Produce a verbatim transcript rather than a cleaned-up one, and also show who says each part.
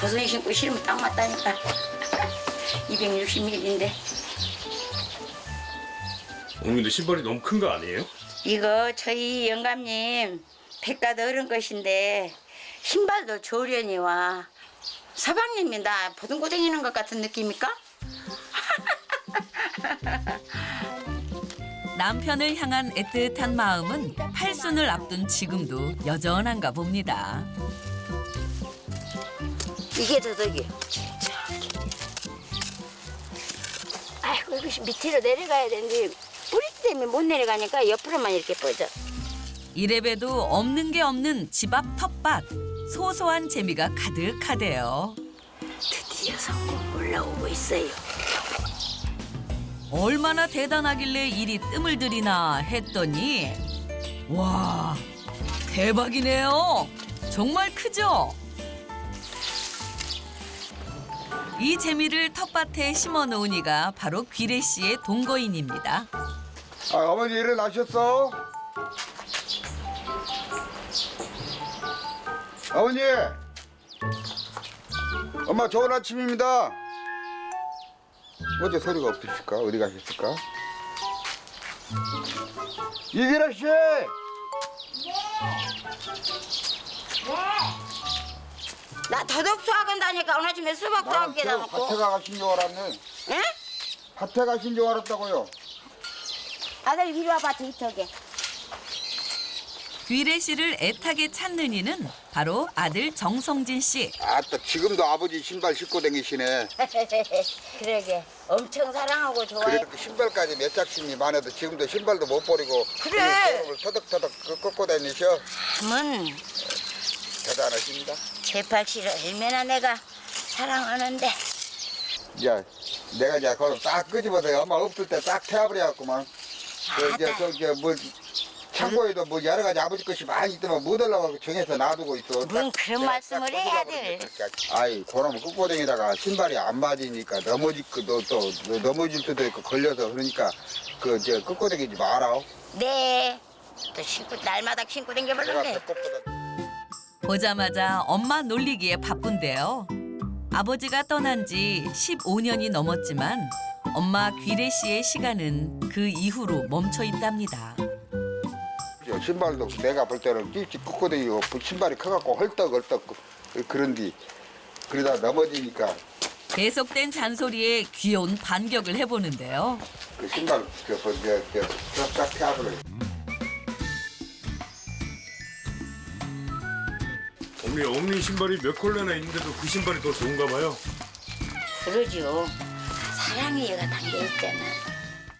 Speaker 1: 버선이 신고 싫으면 딱 맞다니까. 이백육십 밀리미터인데.
Speaker 2: 어머니도 신발이 너무 큰 거 아니에요?
Speaker 1: 이거 저희 영감님 백갓 어른 것인데 신발도 조련이 와. 서방님이 나 보듬고 다니는 것 같은 느낌입니까?
Speaker 3: 남편을 향한 애틋한 마음은 팔순을 앞둔 지금도 여전한가 봅니다.
Speaker 1: 이게 더덕이요. 아이고 이것이 밑으로 내려가야 되는데 뿌리 때문에 못 내려가니까 옆으로만 이렇게 뻗어.
Speaker 3: 이래봬도 없는 게 없는 집 앞 텃밭. 소소한 재미가 가득하대요.
Speaker 1: 드디어 성공 올라오고 있어요.
Speaker 3: 얼마나 대단하길래 이리 뜸을 들이나 했더니 와, 대박이네요. 정말 크죠? 이 재미를 텃밭에 심어 놓은 이가 바로 귀래 씨의 동거인입니다.
Speaker 4: 아, 어머니 일어나셨어? 어머니! 엄마 좋은 아침입니다. 어제 소리가 없으실까? 어디 가셨을까? 이기라 씨!
Speaker 1: 나 더덕 수학원 다니까 오늘 아침에 수박 수학 깨다
Speaker 4: 저
Speaker 1: 놓고.
Speaker 4: 밭에 가신 줄 알았네.
Speaker 1: 응?
Speaker 4: 밭에 가신 줄 알았다고요.
Speaker 1: 아들 이리 와봐 데이터게.
Speaker 3: 귀래 씨를 애타게 찾는 이는 바로 아들 정성진 씨.
Speaker 4: 아따 지금도 아버지 신발 신고 다니시네.
Speaker 1: 그러게 엄청 사랑하고 좋아해.
Speaker 4: 그래도 신발까지 몇 짝씩이 많아도 지금도 신발도 못 버리고
Speaker 1: 그래.
Speaker 4: 을 터덕터덕 꺾고 다니셔.
Speaker 1: 함은
Speaker 4: 대단하십니다.
Speaker 1: 제 팔씨를 얼마나 내가 사랑하는데.
Speaker 4: 야, 내가 이제 그걸 딱 끄집어서 엄마 없을 때 딱 태워버려갖구만. 그 이제 저뭐 창고에도 뭐 여러 가지 아버지 것이 많이 있더만 못 하려고 정해서 놔두고 있어.
Speaker 1: 뭔
Speaker 4: 딱
Speaker 1: 그런
Speaker 4: 내가
Speaker 1: 말씀을
Speaker 4: 딱
Speaker 1: 해야
Speaker 4: 끄집어버리니까.
Speaker 1: 돼.
Speaker 4: 아이, 그놈 끝고댕이다가 신발이 안 맞으니까 넘어지고 또, 또 넘어질 수도 있고 걸려서 그러니까 그 이제 끝고댕이지 마라.
Speaker 1: 네. 또 신고 날마다 신고
Speaker 4: 내가
Speaker 1: 댕겨버렸네.
Speaker 4: 배꼽보다.
Speaker 3: 보자마자 엄마 놀리기에 바쁜데요. 아버지가 떠난 지 십오 년이 넘었지만 엄마 귀래 씨의 시간은 그 이후로 멈춰 있답니다.
Speaker 4: 저 신발도 내가 볼 때는 찝찝 끝고댕이고 신발이 커갖고 헐떡헐떡 그런디 그러다 넘어지니까
Speaker 3: 계속된 잔소리에 귀여운 반격을 해보는데요.
Speaker 4: 그 신발 그저저쫙 태워버려.
Speaker 2: 어머니 어머니 신발이 몇 컬러나 있는데도 그 신발이 더 좋은가 봐요.
Speaker 1: 그러죠. 사랑의 얘가 담겨 있잖아.